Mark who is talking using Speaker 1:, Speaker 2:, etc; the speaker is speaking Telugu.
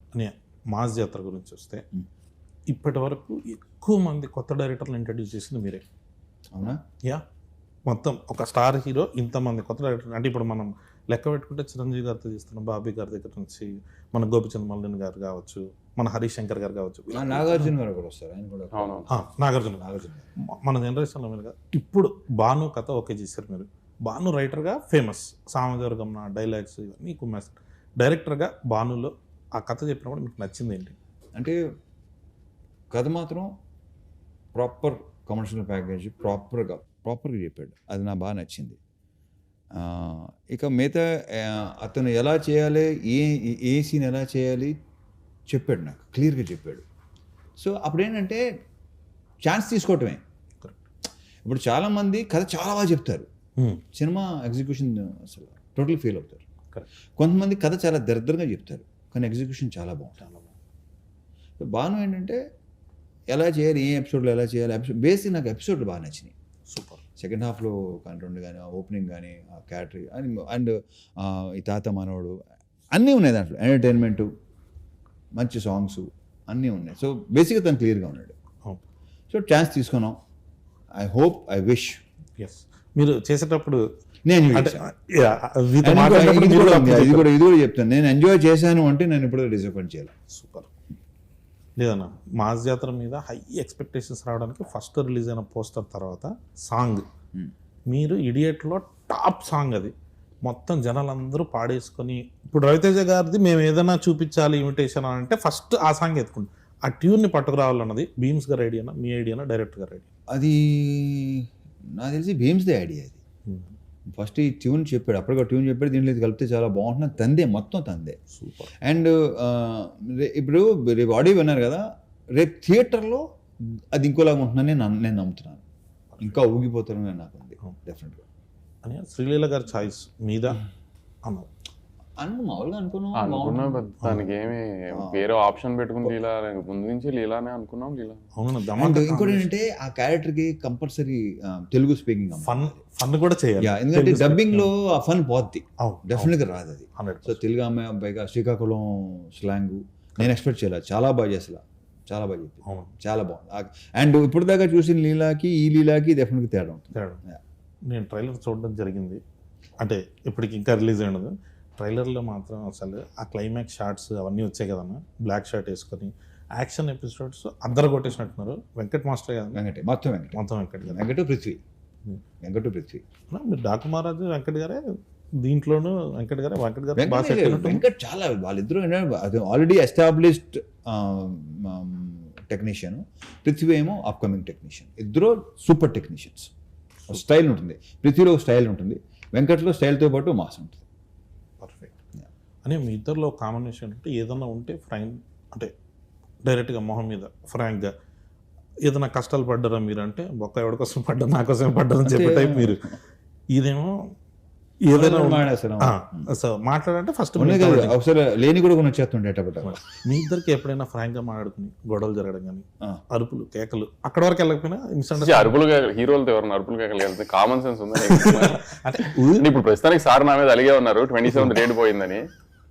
Speaker 1: అనే మాస్ జాతర గురించి వస్తే ఇప్పటి వరకు ఎక్కువ మంది కొత్త డైరెక్టర్లు ఇంట్రడ్యూస్ చేసింది మీరే.
Speaker 2: అవునా?
Speaker 1: యా, మొత్తం ఒక స్టార్ హీరో ఇంతమంది కొత్త డైరెక్టర్ అంటే ఇప్పుడు మనం లెక్క పెట్టుకుంటే చిరంజీవి గారితో చేస్తున్నాం, బాబీ గారి దగ్గర నుంచి మన గోపిచంద్ మల్లిన్ గారు కావచ్చు, మన హరీష్ శంకర్ గారు కావచ్చు,
Speaker 2: నాగార్జున గారు కూడా వస్తారు, ఆయన కూడా.
Speaker 1: నాగార్జున మన జనరేషన్లో మీరు ఇప్పుడు భాను కథ ఓకే చేశారు మీరు. భాను రైటర్గా ఫేమస్, సామజవర్గం నా డైలాగ్స్ ఇవన్నీ కుమ్మేస్తారు. డైరెక్టర్గా భానులో ఆ కథ చెప్పినప్పుడు మీకు నచ్చింది ఏంటి?
Speaker 2: అంటే కథ మాత్రం ప్రాపర్ కమర్షియల్ ప్యాకేజ్ ప్రాపర్గా చెప్పాడు, అది నాకు బాగా నచ్చింది. ఇక మిగతా అతను ఎలా చేయాలి, ఏ సీన్ ఎలా చేయాలి చెప్పాడు, నాకు క్లియర్గా చెప్పాడు. సో అప్పుడు ఏంటంటే ఛాన్స్ తీసుకోవటమే. ఇప్పుడు చాలామంది కథ చాలా బాగా చెప్తారు, సినిమా ఎగ్జిక్యూషన్ అసలు టోటల్ ఫెయిల్ అవుతారు. కొంతమంది కథ చాలా దరిద్రంగా చెప్తారు కానీ ఎగ్జిక్యూషన్ చాలా బాగుంటుంది. బాను ఏంటంటే ఎలా చేయాలి, ఏ ఎపిసోడ్లో ఎలా చేయాలి, బేసిక్ నాకు ఎపిసోడ్లు బాగా నచ్చినాయి.
Speaker 1: సూపర్.
Speaker 2: సెకండ్ హాఫ్లో కంటెంట్ కానీ, ఓపెనింగ్ కానీ, ఆ క్యాటరీ అండ్ ఈ తాత మనవడు అన్నీ ఉన్నాయి దాంట్లో, ఎంటర్టైన్మెంటు, మంచి సాంగ్స్ అన్నీ ఉన్నాయి. సో బేసిక్గా తను క్లియర్గా ఉన్నాడు. సో ఛాన్స్ తీసుకున్నాం. I hope, I wish.
Speaker 1: Yes, మీరు చేసేటప్పుడు
Speaker 2: నేను ఇది కూడా చెప్తాను, నేను ఎంజాయ్ చేశాను అంటే నేను ఇప్పుడు డిసప్పాయింట్ చేయాలి.
Speaker 1: సూపర్. లేదన్నా, మాస్ జాతర మీద హై ఎక్స్పెక్టేషన్స్ రావడానికి ఫస్ట్ రిలీజ్ అయిన పోస్టర్ తర్వాత సాంగ్, మీరు ఇడియట్లో టాప్ సాంగ్ అది, మొత్తం జనాలందరూ పాడేసుకొని, ఇప్పుడు రవితేజ గారిది మేము ఏదైనా చూపించాలి ఇమిటేషన్ అని అంటే ఫస్ట్ ఆ సాంగ్ ఎత్తుకుంటాం. ఆ ట్యూన్ని పట్టుకురావాలన్నది భీమ్స్ గారి ఐడియానా, మీ ఐడియానా, డైరెక్టర్ గారి ఐడియా?
Speaker 2: అది నాకు తెలిసి భీమ్స్దే ఐడియా. అది ఫస్ట్ ఈ ట్యూన్ చెప్పాడు, అప్పటికే ట్యూన్ చెప్పాడు, దీంట్లో ఇది కలిపితే చాలా బాగుంటుంది, తందే, మొత్తం తందే.
Speaker 1: సూపర్.
Speaker 2: అండ్ ఇప్పుడు రేపు ఆడియో విన్నారు కదా, రేపు థియేటర్లో అది ఇంకోలాగా ఉంటుందని నేను నమ్ముతున్నాను. ఇంకా ఊగిపోతారని నాకు ఉంది డెఫినెట్గా.
Speaker 1: అని శ్రీలీల గారి ఛాయిస్ మీద అన్నారు
Speaker 2: మామూలుగా
Speaker 3: అనుకున్నాం, దానికి ఏమి వేరే ఆప్షన్ పెట్టుకుని లీలా, ముందు నుంచి లీలానే అనుకున్నాం. లీలా
Speaker 2: ఇంకోటి ఏంటంటే ఆ క్యారెక్టర్కి కంపల్సరీ తెలుగు స్పీకింగ్
Speaker 1: ఫన్ కూడా చేయాలి,
Speaker 2: ఎందుకంటే డబ్బింగ్ లో ఆ ఫన్ పోద్ది, డెఫినెట్గా రాదు అది. సో తెలుగు అమ్మాయి అబ్బాయిగా శ్రీకాకుళం స్లాంగ్ నేను ఎక్స్పెక్ట్ చేయలేదు, చాలా బాగా చేసలా, చాలా బాగా చెప్పి, చాలా బాగుంది. అండ్ ఇప్పుడు దాకా చూసిన లీలాకి ఈ లీలాకి డెఫినెట్గా తేడా ఉంటుంది.
Speaker 1: నేను ట్రైలర్ చూడడం జరిగింది, అంటే ఇప్పటికి ఇంకా రిలీజ్ అయినది. ట్రైలర్లో మాత్రం అసలు ఆ క్లైమాక్స్ షార్ట్స్ అవన్నీ వచ్చాయి కదన్నా, బ్లాక్ షర్ట్ వేసుకొని యాక్షన్ ఎపిసోడ్స్ అందరు కొట్టేసినట్టున్నారు. వెంకట్ మాస్టర్ కదా,
Speaker 2: మొత్తం వెంకట్ గారు, వెంకట పృథ్వీ.
Speaker 1: మీరు డాకు మహారాజు వెంకట్ గారే దీంట్లోనూ, వెంకట్ గారు
Speaker 2: వెంకట్ చాలా, వాళ్ళిద్దరూ ఆల్రెడీ ఎస్టాబ్లిష్డ్ టెక్నీషియన్, పృథ్వీ ఏమో అప్కమింగ్ టెక్నీషియన్. ఇద్దరు సూపర్ టెక్నీషియన్స్. స్టైల్ ఉంటుంది, పృథ్వీలో స్టైల్ ఉంటుంది, వెంకట్లో స్టైల్తో పాటు మాస్ ఉంటుంది.
Speaker 1: పర్ఫెక్ట్. అని మీ ఇద్దరిలో కాంబినేషన్ అంటే ఏదన్నా ఉంటే ఫ్రాంక్, అంటే డైరెక్ట్గా మొహం మీద ఫ్రాంక్గా ఏదైనా కష్టాలు పడ్డారా మీరు అంటే, బొక్క ఎవరి కోసం పడ్డా, నా కోసం పడ్డారని చెప్పే టైప్ మీరు. ఇదేమో ఏదైనా మాట్లాడంటే ఫస్ట్
Speaker 2: ఒకసారి లేని కూడా వచ్చేస్తుండే.
Speaker 1: మీ ఇద్దరికి ఎప్పుడైనా ఫ్రాంక్ గా మాట్లాడుకుని గొడవలు జరగడం కానీ, అరుపులు కేకలు అక్కడ వరకు వెళ్ళకపోయినా,
Speaker 3: అరుపులు హీరోలతో ఎవరైనా అరుపులు కేకలు వెళ్తే కామన్ సెన్స్ ఉందని అంటే ఇప్పుడు ప్రస్తుతానికి సార్ నా మీద అలిగే ఉన్నారు 27 రేట్ పోయిందని.